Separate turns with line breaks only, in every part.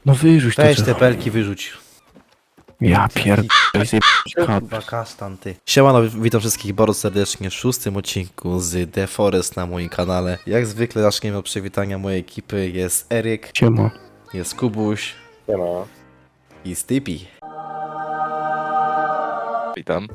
No wyrzuć to
Weź
drzewo.
te pelki wyrzuć.
Ja pierdolę, zjebać
Kurwa, kasztan ty. Siemano, witam wszystkich bardzo serdecznie w 6. odcinku z The Forest na moim kanale. Jak zwykle zaczniemy od przywitania mojej ekipy. Jest Eryk,
Siema.
jest Kubuś
Nie ma.
i Stippy.
Witam.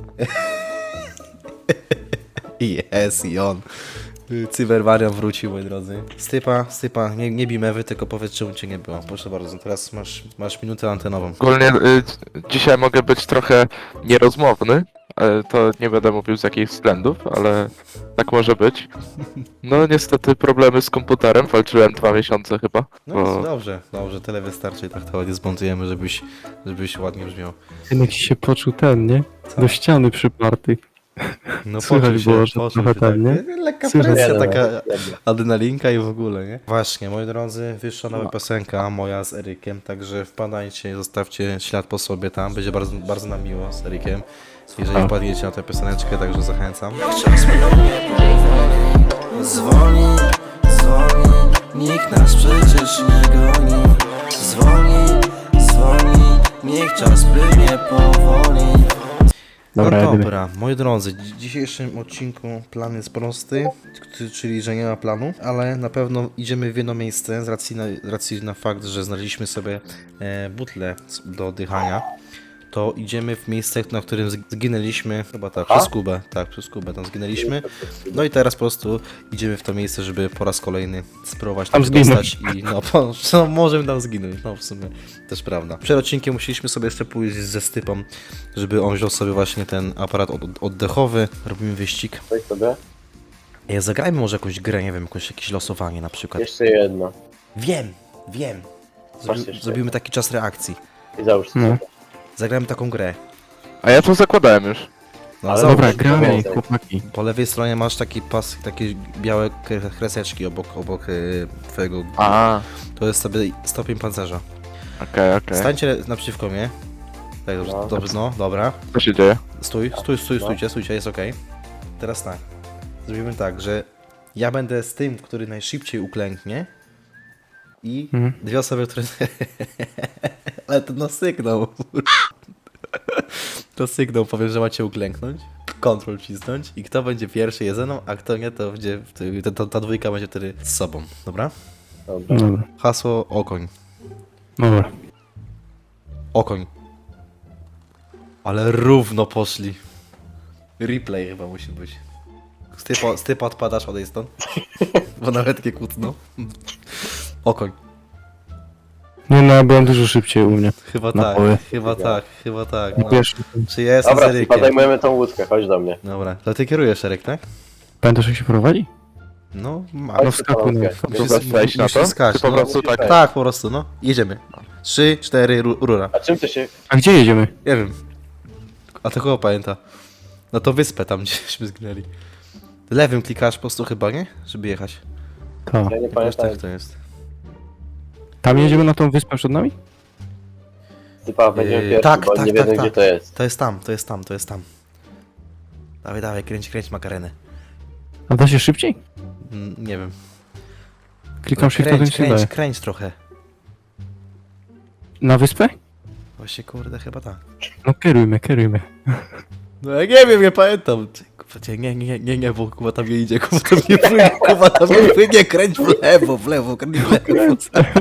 Jest i on. Cyberwarian wrócił, moi drodzy. Stypa, nie bij mewy, tylko powiedz, czemu cię nie było. Proszę bardzo, teraz masz minutę antenową.
Ogólnie dzisiaj mogę być trochę nierozmowny, to nie będę mówił z jakich względów, ale tak może być. No niestety problemy z komputerem, walczyłem 2 miesiące chyba.
No dobrze, tyle wystarczy i tak to ładnie zmontujemy, żebyś ładnie brzmiał.
Ten się poczuł ten, nie? Do ściany przyparty.
No
Słychać było, że trochę ten, nie?
Lekka
Słychać.
presja,
Nie,
taka
nie.
adrenalinka i w ogóle, nie? Właśnie, moi drodzy, wyszła nowa piosenka moja z Erykiem, także wpadajcie, zostawcie ślad po sobie tam, będzie bardzo, bardzo nam miło z Erykiem, jeżeli wpadniecie na tę pioseneczkę, także zachęcam.
Czas mnie powoli, zwolni, nikt nas przecież nie goni. Zwolni, niech czas płynie powoli.
Dobra,
No
jedziemy.
dobra, moi drodzy, w dzisiejszym odcinku plan jest prosty, czyli że nie ma planu, ale na pewno idziemy w jedno miejsce z racji na fakt, że znaleźliśmy sobie butlę do oddychania. To idziemy w miejsce, na którym zginęliśmy, chyba tak, przez Kubę tam zginęliśmy. No i teraz po prostu idziemy w to miejsce, żeby po raz kolejny spróbować
Tam
tam dostać i no możemy tam zginąć, no w sumie też prawda. Przed odcinkiem musieliśmy sobie jeszcze pójść ze Stypą, żeby on wziął sobie właśnie ten aparat oddechowy, robimy wyścig.
Weź sobie.
Zagrajmy może jakąś grę, nie wiem, jakieś losowanie na przykład.
Jeszcze jedno.
Wiem.
Masz jeszcze
Zrobimy taki czas reakcji.
I załóż sobie.
No.
Zagrajmy taką grę.
A ja to zakładałem już.
No,
Ale
zobacz.
Dobra, gramy,
więcej.
chłopaki.
Po lewej stronie masz taki pas, takie białe kreseczki obok twojego...
A,
To jest sobie stopień pancerza.
okej.
Stańcie naprzeciwko mnie. Tak,
No.
dobrze, no, dobra.
Co się dzieje?
Stójcie, jest okej. Teraz tak. Zrobimy tak, że ja będę z tym, który najszybciej uklęknie i dwie osoby, które... Ale to na sygnał. To sygnał, powiem, że macie uklęknąć, kontrol wcisnąć i kto będzie pierwszy jest ze mną, a kto nie, to będzie ta dwójka będzie wtedy z sobą, dobra?
Dobra.
Dobra.
Hasło okoń.
Dobra.
Okoń. Ale równo poszli. Replay chyba musi być. Stypa odpadasz, odejdź stąd. Bo nawet nie kłótno. Okoń.
Nie no, byłem dużo szybciej u mnie.
Chyba
Na
tak,
poły.
chyba tak. No.
Wiesz,
Czy ja jestem z
Dobra,
Erykiem?
zajmujemy tą łódkę, chodź do mnie.
Dobra, to ty kierujesz, Eryk, tak?
pamiętasz jak się prowadzi?
No, ma.
No wskakuj na...
Musisz wejść na to?
musisz skać,
Czy po
no.
prostu tak?
Tak, po prostu, no. Jedziemy. 3, 4, rura.
A czym to się...
A gdzie jedziemy?
Nie wiem. A to kogo pamięta? No to wyspę tam, gdzieśmy zginęli. Lewym klikasz po prostu chyba, nie? Żeby jechać.
Ta.
Ja nie
Jakoś
pamiętam.
tak to jest.
Tam jedziemy na tą wyspę przed nami?
Typa, będziemy pierwszy,
tak,
bo
tak,
nie
tak,
wiedzą
tak.
gdzie to jest.
To jest tam. Dawaj, kręć makarenę.
A da się szybciej?
Nie wiem.
Klikam się wtedy się daje.
Kręć trochę.
Na wyspę?
Właśnie kurde, chyba tak.
No kierujmy.
No ja nie wiem, nie pamiętam. Nie, bo Kuba tam nie idzie, Kuba tam nie płynie, kręć w lewo, kręć w lewo.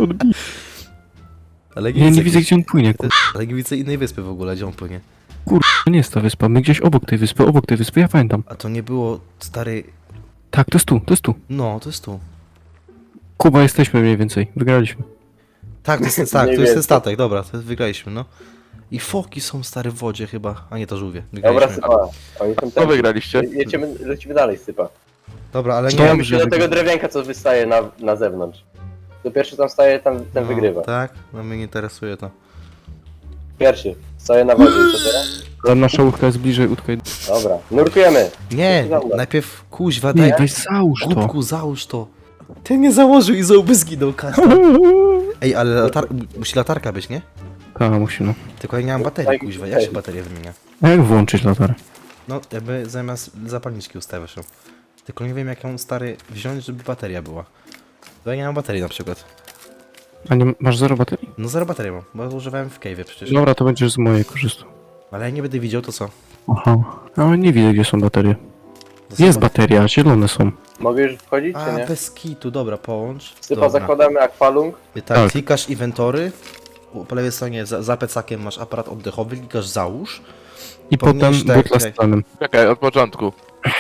Ale
Nie widzę gdzie on płynie.
Ale nie widzę innej wyspy w ogóle, gdzie on płynie.
To nie jest ta wyspa, my gdzieś obok tej wyspy, ja pamiętam.
A to nie było, stary...
Tak, to jest tu.
No, to jest tu.
Kuba, jesteśmy mniej więcej, wygraliśmy.
Tak, to jest
Mniej
ten
więcej.
statek, dobra, to wygraliśmy, no. I foki są stare w wodzie chyba, a nie to żółwie.
Dobra,
Wygraliśmy.
Sypa. Oni tam
Co wygraliście?
Lecimy dalej, Sypa.
Dobra, ale
Dobrze.
nie...
Się do tego drewienka, co wystaje na zewnątrz. To pierwszy tam staje, ten wygrywa.
Tak? No mnie nie interesuje to.
Pierwszy. Staje na wodzie, co teraz?
Ta nasza łódka jest bliżej łódki.
Dobra, nurkujemy.
Nie,
Dobra.
najpierw kuźwa,
Nie,
daj...
weź załóż to.
Głupku, załóż to. Ty nie założył i zęby zginął, Kasia. Ej, ale musi latarka być, nie?
Tak, musi no.
Tylko ja nie mam baterii, kuźwa. Jak się baterię wymienia?
A jak włączyć latarę?
No, jakby zamiast zapalniczki ustawiasz ją. Tylko nie wiem, jak ją, stary, wziąć, żeby bateria była. Bo ja nie mam baterii na przykład.
A nie masz 0 baterii?
No zero baterii mam, bo używałem w cave'ie przecież.
Dobra, to będziesz z mojej korzystał.
Ale jak nie będę widział, to co?
Aha. Ale nie widzę, gdzie są baterie.
To
Jest
są-
bateria, zielone są.
Mogę już wchodzić, czy
A,
nie?
bez kitu, dobra, połącz.
Sypa
Dobra.
zakładamy akwalung.
Tak,
Tak.
klikasz inwentory. Po lewej stronie za plecakiem masz aparat oddechowy, klikasz załóż.
I
Powinieneś
potem
tak,
butla z
tak.
tlenem.
Czekaj, od początku.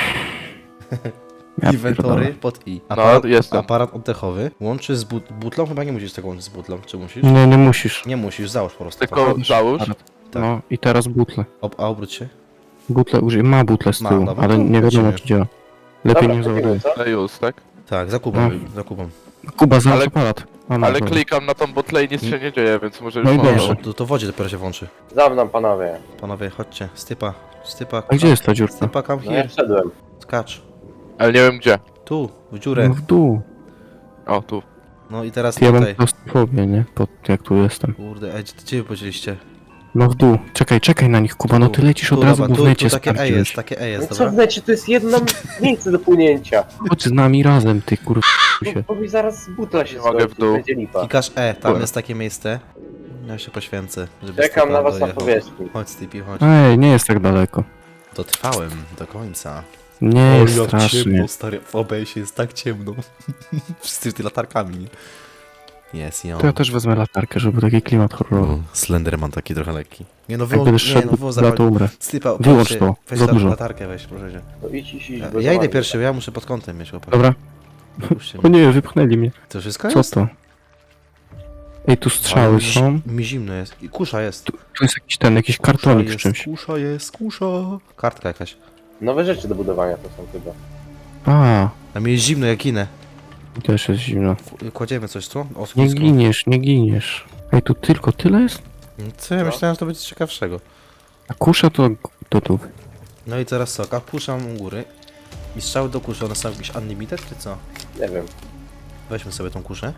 Ja
Inwentory
pierdolę.
pod i.
No, jestem.
Aparat oddechowy. Łączy z butlą? Chyba nie musisz tego łączyć z butlą, czy musisz?
Nie, nie musisz.
Nie musisz, załóż po prostu.
Tylko załóż.
Tak.
No i teraz butle.
A obróć się.
Butle użyj, ma butle z
Ma,
tyłu,
dobra,
ale
to
nie wiadomo
lecimy.
czy działa. Lepiej
Dobra,
nie
wchodzimy,
załaduje.
co?
No już, tak?
Tak, za Kubą, za Kubą.
Kuba, załóż
Ale-
aparat. A, no,
Ale
dobra.
klikam na tą botlę i nic się nie dzieje, więc może już
No i
mogę.
dobrze.
To wodzie dopiero się włączy.
Za mną, panowie.
Panowie, chodźcie. Stypa.
A gdzie jest ta dziurka?
Stypa, come
No ja
here.
wszedłem.
Skacz.
Ale nie wiem gdzie.
Tu, w
No
dziurę.
w dół.
O, tu.
No i teraz
Ja mam
tutaj.
klaustrofobię, nie? Jak tu jestem.
Kurde, gdzie wy podzieliście?
No w dół. Czekaj na nich, Kuba, no ty lecisz od razu, bo w
tu
necie
takie E
sprawdziłeś.
jest, takie E
No
jest,
co w
dobra?
necie, to jest jedno miejsce do płynięcia.
Chodź z nami razem, ty kur... się.
Bo mi zaraz butla się
Nie mogę
skończy,
w dół.
będzie lipa.
Klikasz E, tam
Dobra.
jest takie miejsce. Ja się poświęcę, żeby
Czekam
Stypa
na was na
dojechał.
powierzchni.
Chodź Stypi, chodź.
Ej, nie jest tak daleko.
Dotrwałem do końca.
Nie jest strasznie.
stary, w OBS jest tak ciemno. Wszyscy ty latarkami. Jest,
To ja też wezmę latarkę, żeby taki klimat horrorowy.
Slenderman taki trochę lekki. Nie no,
Jak
wyłącz,
będziesz
nie, no,
szedł,
wyłącz
za to umrę.
Stypa,
Wyłącz
weź,
to,
weź
za dużo.
latarkę weź, proszę cię.
No idź,
Ja
bo
idę
za
pierwszy, bo ja muszę pod kątem mieć chłopak.
Dobra.
Puśćcie
O
mnie.
nie, wypchnęli mnie.
To wszystko
Co
jest?
to? Ej, tu
Ale
strzały
mi-
są.
Mi zimno jest. I kusza jest.
Tu jest jakiś
Kusza
kartonik z
jest,
czymś.
Kusza jest, kusza. Kartka jakaś.
Nowe rzeczy do budowania to są chyba.
A,
A mi jest zimno jak ginę.
też jest zimno.
Kładziemy coś tu? O,
Nie
schudsko.
giniesz, nie giniesz. Ej, tu tylko tyle jest?
Co ja myślałem, że to będzie ciekawszego.
A kusza to tu.
No i teraz co? Kusza mam u góry. I strzały do kuszy, one są jakieś unlimited czy co?
Nie wiem.
Weźmy sobie tą kuszę.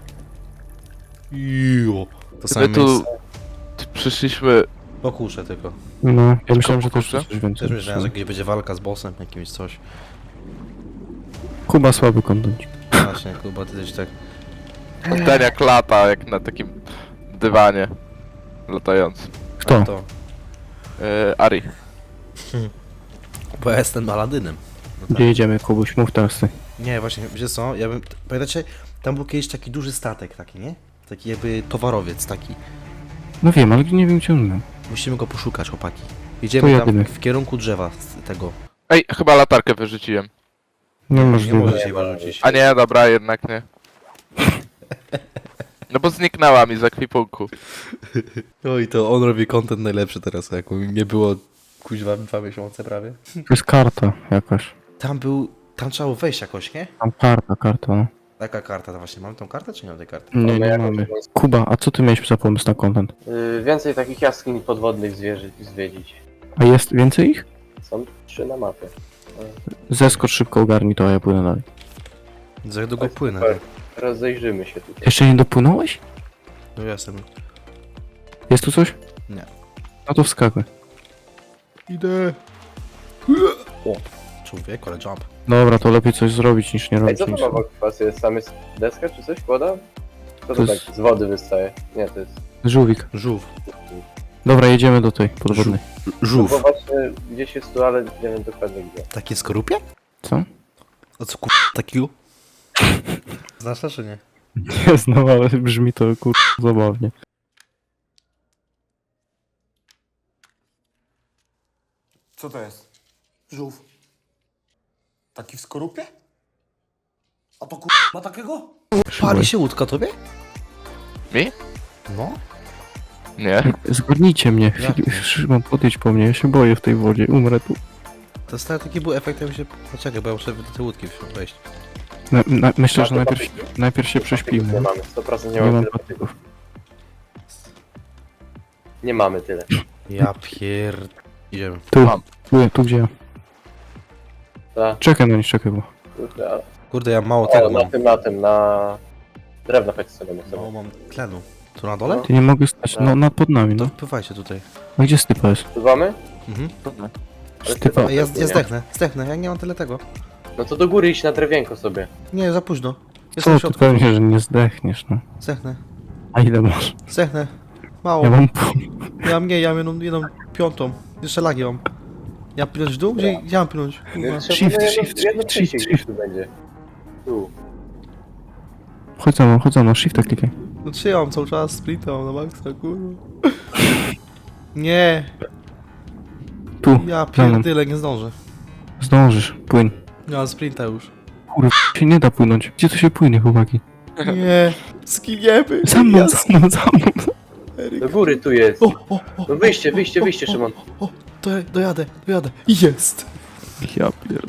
Jo. To
My
samo
tu
miejsce.
przyszliśmy.
Po kuszę tylko.
No, ja myślałem, że
po
też
kusze?
coś więcej.
Też myślałem, że gdzieś będzie walka z bossem, jakimś coś.
Kuba słaby kontencik.
Właśnie, Kuba, ty też tak.
Ten jak lata, jak na takim dywanie latającym.
Kto?
To.
Ari.
Bo ja jestem Aladynem. No tak.
Gdzie jedziemy, Kubuś? Mów teraz ty.
Nie, właśnie, wiecie co? Ja bym. Pamiętacie, tam był kiedyś taki duży statek, taki, nie? Taki jakby towarowiec, taki.
No wiem, ale nie wiem gdzie on był.
Musimy go poszukać, chłopaki.
To
Jedziemy tam
jadymy.
w kierunku drzewa z tego.
Ej, chyba latarkę wyrzuciłem.
Nie
Nie
możliwe.
może się wyrzucić.
A nie, dobra, jednak nie. No bo zniknęła mi z ekwipunku.
Oj, to on robi content najlepszy teraz, jak nie było kuźwa 2 miesiące prawie.
To jest karta jakaś.
Tam trzeba było wejść jakoś, nie?
Tam karta, no.
Jaka karta to właśnie? Mamy tą kartę czy nie mamy tej karty?
Nie,
Mamy
nie
jakąś
mamy.
taką-
Kuba, a co ty miałeś za pomysł na content?
Więcej takich jaskiń podwodnych zwiedzić.
A jest więcej ich?
Są 3 na mapie.
Zeskocz szybko, ogarnij to, a ja płynę dalej.
Za długo płynę.
super.
Tak.
Rozejrzymy się tutaj.
Jeszcze nie dopłynąłeś?
No ja jestem.
Jest tu coś?
Nie.
No to wskakuj.
Idę. O, człowiek, ale jump.
Dobra, to lepiej coś zrobić niż nie
Ej,
robić
co to
nic.
ma wokół was jest? Tam jest deska czy coś? Kłada? Co
To
to
jest-
tak z wody wystaje? Nie, to jest...
Żółwik.
Żółw.
Dobra, jedziemy do tej podwodnej.
No bo
Żółw.
właśnie gdzieś jest tu, ale nie wiem dokładnie gdzie.
Takie skorupie?
Co?
A co takiego? Znasz to czy nie?
Nie znam, ale brzmi to zabawnie.
Co to jest? Żółw. Taki w skorupie? A to ma takiego?
Pali się łódka tobie?
Mi?
No.
Nie.
Zgodnijcie mnie.
Jak nie?
Szymon, podejdź po mnie, ja się boję w tej wodzie, umrę tu.
To stary taki był efekt, jakby się... Poczekaj, bo ja muszę do tej łódki wejść.
Myślę, że
Ma to
najpierw się
Nie
prześpimy.
mamy, 100% nie
Nie
mamy
mam
tyle.
patyków.
Nie mamy tyle.
Ja Idziemy.
Tu,
Mam.
tu gdzie ja.
Ta,
Czekaj na nich, czekaj, bo...
kurde, ale...
Kurde, ja mało
O,
tego
na
mam.
tym, na... Drewno chodź sobie na
Mało
sobie.
mam tlenu. Tu na dole?
Ty nie mogę stać, no pod nami,
To
no.
wpływajcie tutaj.
A gdzie Stypa jest?
Pływamy?
Mhm.
Ale
Stypa.
ty-
Ej, ja zdechnę, ja nie mam tyle tego.
No to do góry iść na drewienko sobie.
Nie, za późno. Jestem
Co,
w
ty
środku.
pewnie, że nie zdechniesz, no.
Zdechnę.
A ile masz?
Zdechnę. Mało.
Ja mam
Ja mam jedną piątą. Jeszcze lagi mam. Ja płynąć w dół? Gdzie ja mam płynąć? Kurwa.
Shift,
Jedno
shift,
przejście
shift,
gdzieś tu będzie. Tu.
Chodź za mną, shifta klikaj.
No czy ja mam cały czas sprinta, mam na maksa, kurwa. Nie,
Tu,
ja
za mną.
pierdyle, nie zdążę.
Zdążysz, płyń.
Ja mam sprinta już.
Kurwa, się nie da płynąć. Gdzie to się płynie, chłopaki?
Nie, skiniemy.
Za mną,
Ja
za mną, za mną.
Do góry tu jest.
O,
No wyjście, Szymon.
o, dojadę. Jest.
Ja pierd...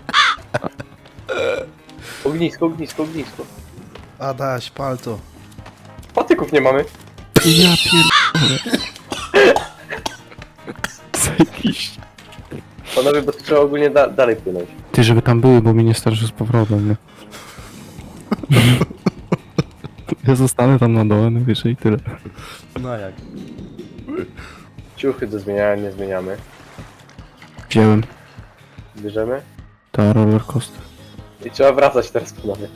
Ognisko.
Adaś, pal to.
Patyków nie mamy.
Ja pierd... Zajebiście.
Panowie, bo tu trzeba ogólnie dalej płynąć.
Ty, żeby tam były, bo mi nie starczy z powrotem, nie? Ja zostanę tam na dole, no wiesz, i tyle.
No jak?
Ciuchy do zmieniania nie zmieniamy.
Wziąłem.
Bierzemy.
Ta roller coaster.
I trzeba wracać teraz, panowie.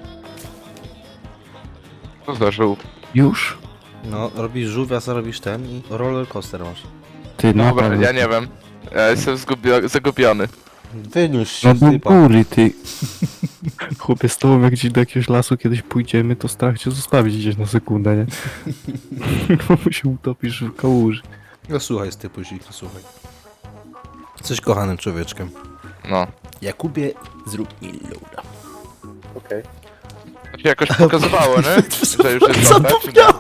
Co za żółw?
Już?
No, robisz żółwia, co robisz ten i roller coaster masz.
Ty,
Dobra,
naprawdę.
ja nie wiem. Ja jestem zagubiony.
Wyniósł się
No
z
do
typa.
góry, ty. Chłopie, z tobą jak gdzieś do jakiegoś lasu kiedyś pójdziemy, to strach cię zostawić gdzieś na sekundę, nie? Bo się utopisz w kałuży.
No słuchaj z typu, no słuchaj. Jesteś kochanym człowieczkiem.
No.
Jakubie, zrób mi loada.
Okej.
To się jakoś pokazywało, nie? Że już jest dobre, czy nie?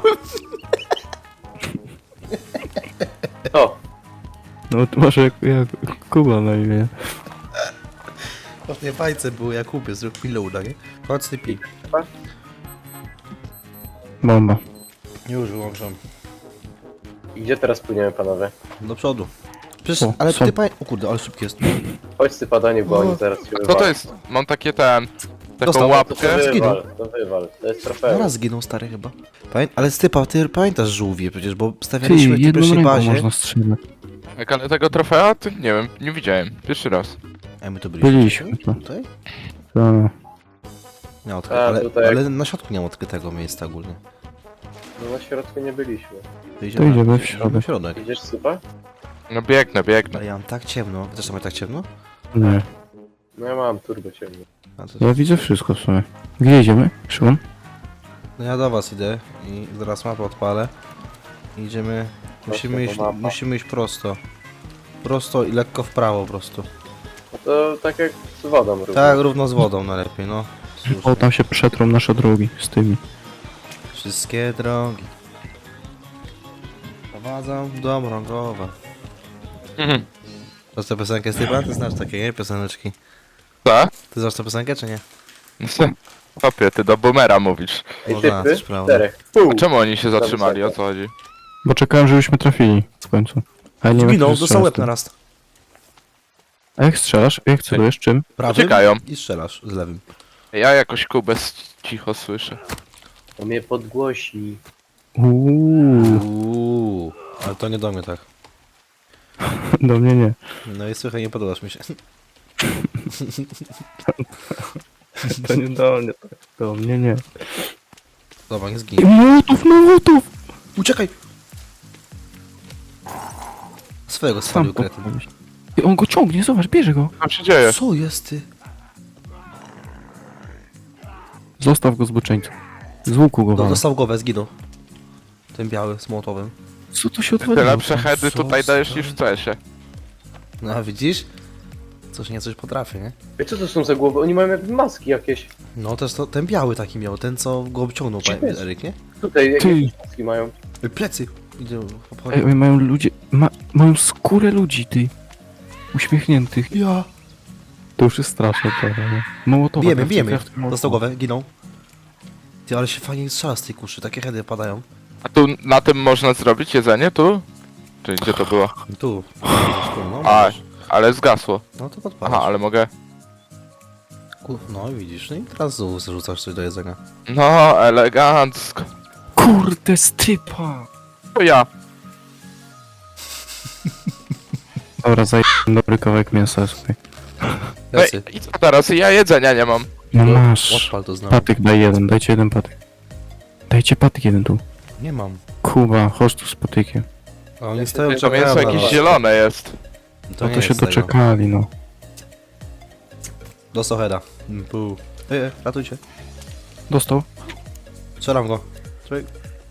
O,
No to masz jak Kuba na imię.
Właśnie bajce było Jakubie, zrób mi loada, nie? Chodź typi.
Bomba.
Już wyłączam.
i gdzie teraz płyniemy, panowie?
Do przodu. Przecież,
O,
ale
są.
ty o kurde, ale szybki jest.
Chodź sypadanie, bo oni zaraz się
Co to
wywalą.
jest? Mam takie taką
Dostał,
To
łapkę.
Zginął.
wywal. To jest trofeum.
Zaraz zginął stary chyba. Ale Stypa, ty pamiętasz żółwie przecież, bo
Ty,
stawialiśmy w tej
jedną
pierwszej
ręką
bazie.
można strzelać.
Jak ale tego trofea? To nie wiem, nie widziałem. Pierwszy raz.
A my tu byliśmy.
Byliśmy tu.
Tutaj?
Ta.
Nie,
A, tutaj jak-
ale na środku nie ma odkrytego miejsca ogólnie.
No na środku nie byliśmy.
To idziemy w środek.
W środek.
Idziesz sypa?
No biegnę.
Ale ja mam tak ciemno. Też tam tak ciemno?
Nie.
No ja mam turbo ciemno.
A to...
Ja widzę wszystko w sumie. Gdzie idziemy, Szymon?
No ja do was idę i zaraz mapę odpalę. Idziemy. Musimy iść prosto. Prosto i lekko w prawo po prostu.
No to tak jak z wodą równo.
Tak, równo z wodą najlepiej, no. Słusznie.
O, tam się przetrą nasze drogi z tymi.
Wszystkie drogi prowadzą do Mrągowa.
Mhm.
Znasz tę piosenkę, Stypa? Ty znasz takie, nie? Pioseneczki.
Co?
Ty znasz tę piosenkę, czy nie?
Papie, ty do boomera mówisz.
Ej,
Można,
typy?
też prawda.
4. Pół.
A czemu oni się zatrzymali? O co chodzi?
Bo czekałem, żebyśmy trafili w końcu. A ja nie wiem,
Zginął,
jak to
dostał łeb
strzelasz.
na raz.
A jak strzelasz? Jak celujesz? Czym?
Prawym
Czekają.
i strzelasz z lewym.
Ja jakoś Kubę cicho słyszę.
On mnie podgłosi.
Uuu, ale to nie do mnie tak.
Do mnie nie.
No i słuchaj, nie podobasz mi się.
To nie do mnie. Do mnie nie.
Dobra, nie
I
zginie.
Młotów!
Uciekaj! Swojego
Sam
spalił kretyn.
podpalić. I on go ciągnie, zobacz, bierze go.
Co tam się dzieje?
Co jest ty?
Zostaw go zboczeńcu. Z łuku go walę.
Dostał głowę, zginął. Ten biały z młotowym.
Co tu się
Tyle
odwaliło?
przechedy tutaj dajesz niż w CS-ie.
No a widzisz? Coś potrafi, nie?
Ej, co to są za głowy? Oni mają jak maski jakieś.
No też to, ten biały taki miał, ten co go obciągnął,
Gdzie jest?
Eryk, nie?
Tutaj
Ty.
jakieś maski mają.
Plecy! Idzie,
Ej, oni mają ludzie... mają skórę ludzi, ty. Uśmiechniętych.
Ja!
To już jest straszne trochę, nie? Mołotowa.
Bijemy.
Crafting
Dostał głowę, ginął. Ty, ale się fajnie strzela z tej kuszy, takie heady padają.
A tu na tym można zrobić jedzenie? Tu? Czy gdzie to było?
Tu. No,
A,
możesz.
ale zgasło.
No to podpalasz.
Aha, ale mogę...
No i widzisz, no i teraz znowu zarzucasz coś do jedzenia.
No, elegancko.
Kurde, stypa!
To ja.
Dobra, dobry kawałek mięsa sobie.
No
Plecy.
i co teraz? Ja jedzenia nie mam.
No masz.
Odpal to znowu.
Patyk, daj jeden, dajcie jeden patyk. Dajcie patyk jeden tu.
Nie mam.
Kuba, chodź tu z patykiem.
A oni stoją,
To mięso
na
jakieś
was.
zielone jest.
No to
nie
się
jest tego.
doczekali, no.
Dostał heada. Ratujcie.
Dostał?
Strzelam go. Człowiek.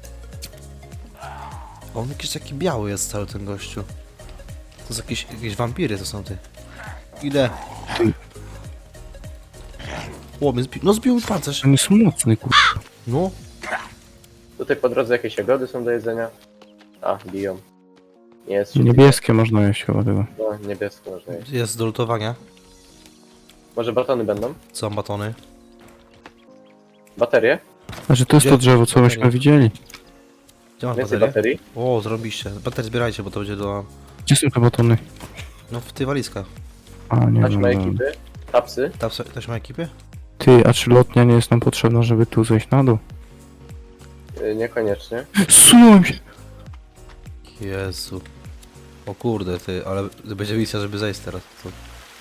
On jakiś taki biały jest cały ten gościu. To są jakieś wampiry to są ty. Idę. O, mnie zbił. No zbił mi pancerz.
On jest mocny, kurwa.
No.
Tutaj po drodze jakieś jagody są do jedzenia. A, biją. Nie jest
Niebieskie można jeść chyba tego.
No, niebieskie można jeść.
Jest do lutowania.
Może batony będą?
Są batony.
Baterie?
Znaczy to jest
Gdzie?
to drzewo, co myśmy widzieli.
Gdzie masz
Więcej
baterię?
baterii?
O, zrobiliście. Baterię zbierajcie, bo to będzie do...
Gdzie są te batony?
No w tej walizkach.
A, nie
Taśmy
wiem.
ekipy? Tapsy?
Ktoś ma ekipie?
Ty, a czy lotnia nie jest nam potrzebna, żeby tu zejść na dół?
Niekoniecznie.
Zsunąłem się!
Jezu. O kurde, ty, ale będzie misja, żeby zejść teraz. To...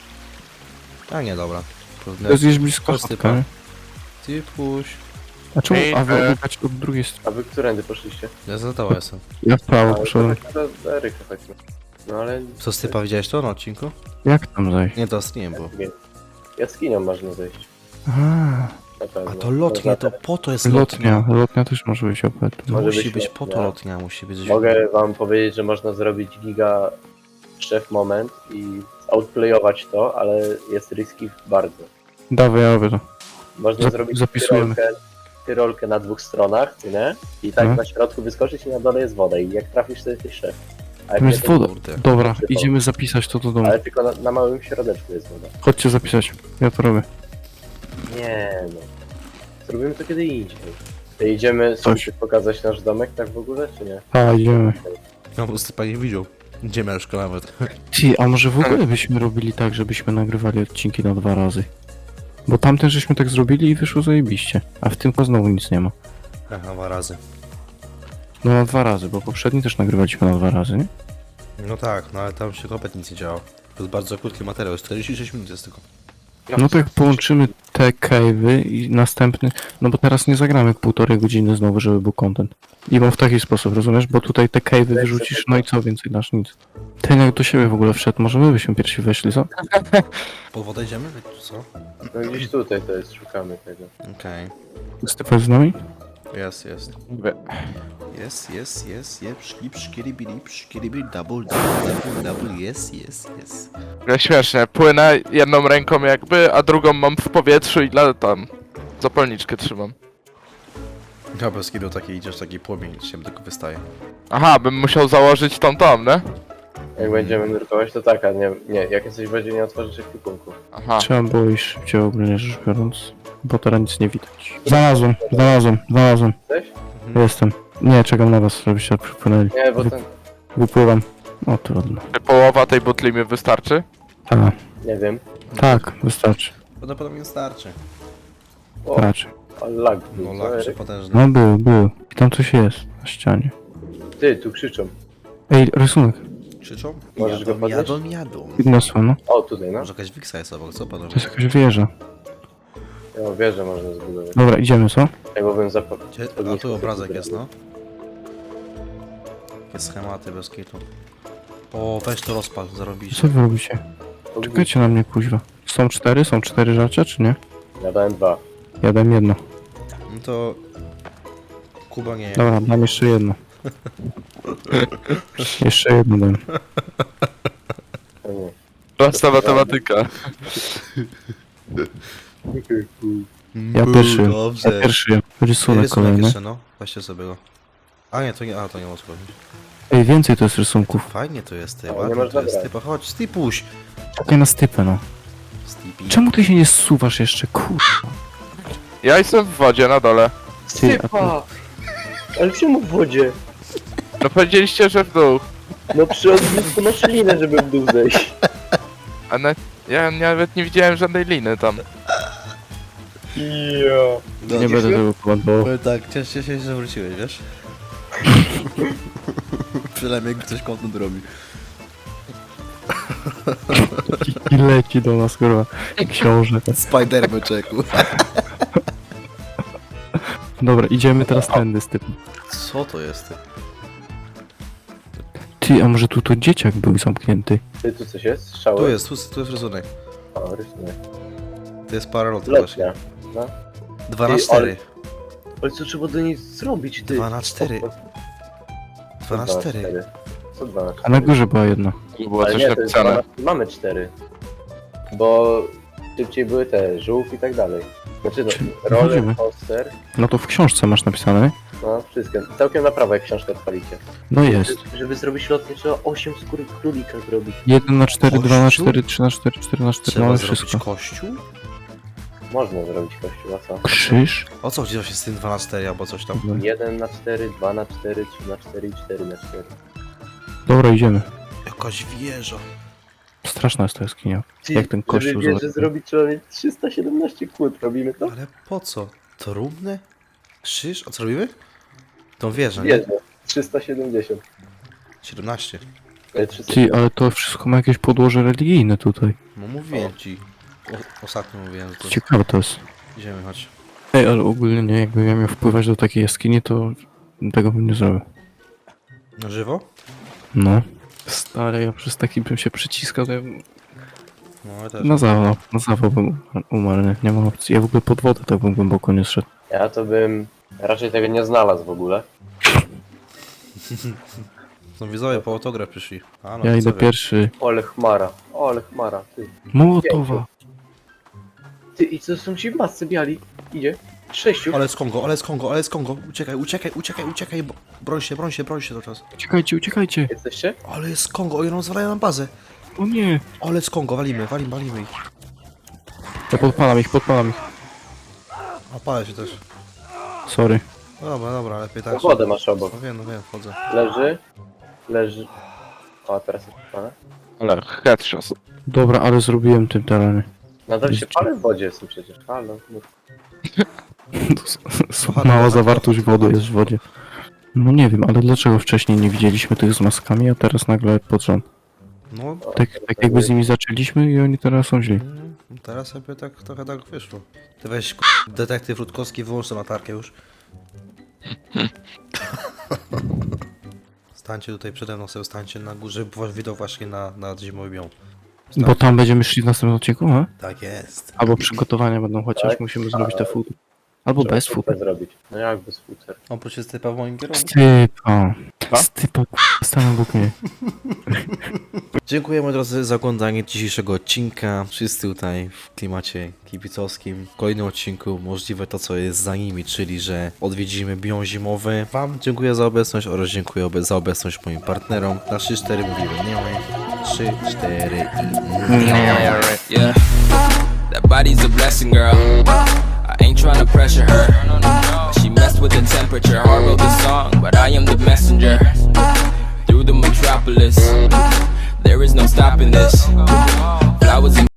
A nie, dobra.
To jest gdzieś blisko
Chodź,
chatka,
typa.
nie?
Ty puść.
A czemu?
Ej,
A wy odbiegać od drugiej strony.
A wy którędy poszliście?
Ja za tobą jestem.
Ja w prawo
Ale to
poszedłem.
tak do Eryka chodźmy. No ale...
Co z typa widziałeś to na odcinku?
Jak tam zejść?
Nie, to nie było.
Jaskinią można zejść.
Aha,
Na pewno.
A to lotnie, to po to jest lotnia.
lotnia też może być opet.
To
Może
musi
być
być po to
lotnia.
lotnia, musi być.
Mogę wam powiedzieć, że można zrobić giga szef moment i outplayować to, ale jest risky bardzo.
Dawaj, ja robię to.
Można zrobić
zapisujemy.
tyrolkę na dwóch stronach, nie? I tak
No.
na środku wyskoczyć i na dole jest woda i jak trafisz to jesteś szef. A jak
Tam
nie,
jest
to-
woda.
Kurde.
Dobra,
Przypał.
idziemy zapisać to do domu.
Ale tylko na małym środeczku jest woda.
Chodźcie zapisać. Ja to robię.
Nie no. Zrobimy to kiedy indziej. To idziemy
Coś.
sobie pokazać nasz domek tak w ogóle, czy nie?
A, idziemy.
No po prostu pani widział. Gdzie mieszka nawet.
Ty, a może w ogóle byśmy robili tak, żebyśmy nagrywali odcinki na 2 razy? Bo tamten żeśmy tak zrobili i wyszło zajebiście. A w tym to znowu nic nie ma.
Aha, 2 razy.
No na 2 razy, bo poprzedni też nagrywaliśmy na 2 razy, nie?
No tak, no ale tam się kompletnie nic nie działo. To jest bardzo krótki materiał, 46 minut jest tylko.
No to jak połączymy te cave'y i następny... No bo teraz nie zagramy 1,5 godziny znowu, żeby był content. I mam w taki sposób, rozumiesz? Bo tutaj te cave'y wyrzucisz, no i co więcej dasz? Nic. Ten jak do siebie w ogóle wszedł, może my byśmy pierwsi weszli, co?
Pod wodę idziemy? Czy co?
No gdzieś tutaj to jest, szukamy tego.
Okej.
Stefan z nami?
Jest, jest.
Mówię,
Jest, szkiribi, double, jest.
śmiesznie, płynę jedną ręką jakby, a drugą mam w powietrzu i tam zapalniczkę trzymam.
Ja bez kidu taki idziesz, taki płomień z siebie tylko wystaje.
Aha, bym musiał założyć tą, nie?
Jak będziemy nurkować to tak, a nie, jak jesteś w wodzie nie otworzysz ekwipunku.
Aha.
Trzeba było iść szybciej ogólnie rzecz biorąc, bo teraz nic nie widać. Znalazłem.
Jesteś?
Jestem. Nie, czekam na was, żebyście przypłynęli.
Nie, bo ten...
Wypływam. O, trudno.
Czy połowa tej butli mi wystarczy?
A,
Nie wiem.
tak, wystarczy.
Prawdopodobnie starczy.
O,
Raczej.
ale lag był,
No
co,
lak
Eryk?
przepotężny.
No był. I tam coś jest na ścianie.
Ty, tu krzyczą.
Ej, rysunek.
Krzyczą?
Możesz go podnieść?
Jadą.
Podniosłem, no.
O, tutaj, no.
Może jakaś wiksa jest obok, co panowie?
To jest jakaś wieża.
Ja wieżę można zbudować.
Dobra, idziemy, co?
Tego bym zapomniał.
A tu obrazek jest, no. Takie schematy bez kitu. O, weź to rozpal, zarobisz.
Co wy robicie? Czekajcie na mnie, kuźwa. Są 4 rzeczy, czy nie?
Ja dałem 2.
Ja dam jedno.
No to... Kuba nie.
Dobra, dam jeszcze jedno. Jeszcze jedno dam.
O nie.
Prosta matematyka.
Ja pierwszy.
Dobrze.
Ja pierwszy. Rysunek
Rysunek
kolejny.
jeszcze, no. Weźcie sobie go. A nie, to nie, to nie ma co powiedzieć.
Ej, więcej to jest rysunków.
Fajnie to jest, ty,
Ale nie
ładnie to
można
jest,
brać.
typa, chodź, stypuś.
Czekaj na stypę, no.
Stipi.
Czemu ty się nie zsuwasz jeszcze, kurwa?
Ja jestem w wodzie na dole.
Ty, a
Sypa! Ale czemu w wodzie?
No powiedzieliście, że w dół.
No przy odblisku masz linę, żeby w dół zejść.
A ja nawet nie widziałem żadnej liny tam.
Ja.
nie będę tego komentował.
Powiem tak, cieszę się, że wróciłeś, wiesz? Przynajmniej ktoś content robi.
I leci do nas, kurwa. Książę.
Spider-Man czeku.
Dobra, idziemy teraz tędy z typem.
Co to jest?
Ty, a może tu to dzieciak był zamknięty?
Ty, tu coś jest? Strzały?
Tu jest rysunek.
O, rysunek.
To jest paralot właśnie.
Letnia. No.
2 na
Ty,
4.
Ale co trzeba do niej zrobić, ty?
2 na 4. 2 na 4.
Co 2 na 4?
A na górze była jedna.
Tu było
Ale
coś
nie, to jest
napisane.
2 mamy 4. Bo szybciej były te żółw i tak dalej. Znaczy no,
Czyli
roller
chodzimy.
coaster,
No to w książce masz napisane.
no wszystko. Całkiem na prawo jak książkę odpalicie.
No jest.
Żeby zrobić lotnie trzeba 8 skóry królika zrobić.
1 na 4, 2 na
Kościół?
4, 3 na 4, 4 na 4,
Trzeba
mamy
zrobić
wszystko.
kościół?
Można zrobić kościół, a co?
Krzyż?
O co chodzi właśnie z tym 2 na 4 albo coś tam?
1 na 4, 2 na 4, 3 na 4 i 4 na 4.
Dobra, idziemy.
Jakaś wieża.
Straszna jest ta jaskinia. Jak ten kościół
Żeby wieżę
zobacz.
zrobić trzeba mieć 317 kłód. Robimy to?
Ale po co? Trumny? Krzyż? A co robimy? Tą wieżę, nie?
Wieżę. 370.
17.
300.
Ty, ale to wszystko ma jakieś podłoże religijne tutaj.
No mówiłem ci. Ostatnio mówiłem, że to...
Ciekawe to jest.
Idziemy, chodź.
Ej, ale ogólnie nie, jakbym ja miał wpływać do takiej jaskini, to tego bym nie zrobił.
Na żywo?
No. Stary, ja przez taki bym się przyciskał, to ja bym...
No, ja też.
Na zawał bym umarł, nie ma opcji. Ja w ogóle pod wodę tak bym głęboko nie szedł.
Ja to bym raczej tego nie znalazł w ogóle.
No widzowie po autograf przyszli. A, no
Ja idę
widzowie.
pierwszy.
Ole chmara, ty.
Mołotowa!
Ty, i co są ci w masce biali? Idzie. 6.
Ale z Kongo, ale z Kongo, ale z Kongo. Uciekaj. Broń się cały czas.
Uciekajcie, uciekajcie!
Jesteście?
Ale z Kongo, oni rozwalają nam bazę.
O nie!
Ale z Kongo, walimy ich.
Ja podpalam ich.
A palę się też.
Sorry.
Dobra, lepiej tak.
Wodę masz obok.
No wiem, wchodzę.
Leży. O, teraz jest pana.
Ale headshot.
Dobra, ale zrobiłem tym tereny.
Nadal się palę w wodzie są przecież. Halo. No.
Mała zawartość wody jest w wodzie. No nie wiem, ale dlaczego wcześniej nie widzieliśmy tych z maskami, a teraz nagle pod rząd?
No,
Tak jakby z nimi zaczęliśmy i oni teraz są źli.
teraz sobie tak trochę tak wyszło. Ty weź detektyw Rutkowski, wyłącz tę latarkę już. Stańcie tutaj przede mną, sobie stańcie na górze, żeby widok właśnie na zimowy biom.
Bo tam będziemy szli w następnym odcinku, a?
Tak jest.
Albo przygotowania będą, chociaż
Tak.
musimy zrobić te food. Albo bez food.
zrobić. No jak bez futer?
Oprócz jest typa w moim kierunku.
Stypa, stanę obok mnie.
Dziękuję moi drodzy za oglądanie dzisiejszego odcinka. Wszyscy tutaj w klimacie kibicowskim. W kolejnym odcinku możliwe to, co jest za nimi, czyli że odwiedzimy biom zimowy. Wam dziękuję za obecność oraz dziękuję za obecność moim partnerom. Na 3-4 mówimy nie. 3-4 i nie.
Yeah, that body's a blessing, girl. I ain't tryna pressure her. She messed with the temperature. I wrote the song, but I am the messenger. Through the metropolis, there is no stopping this.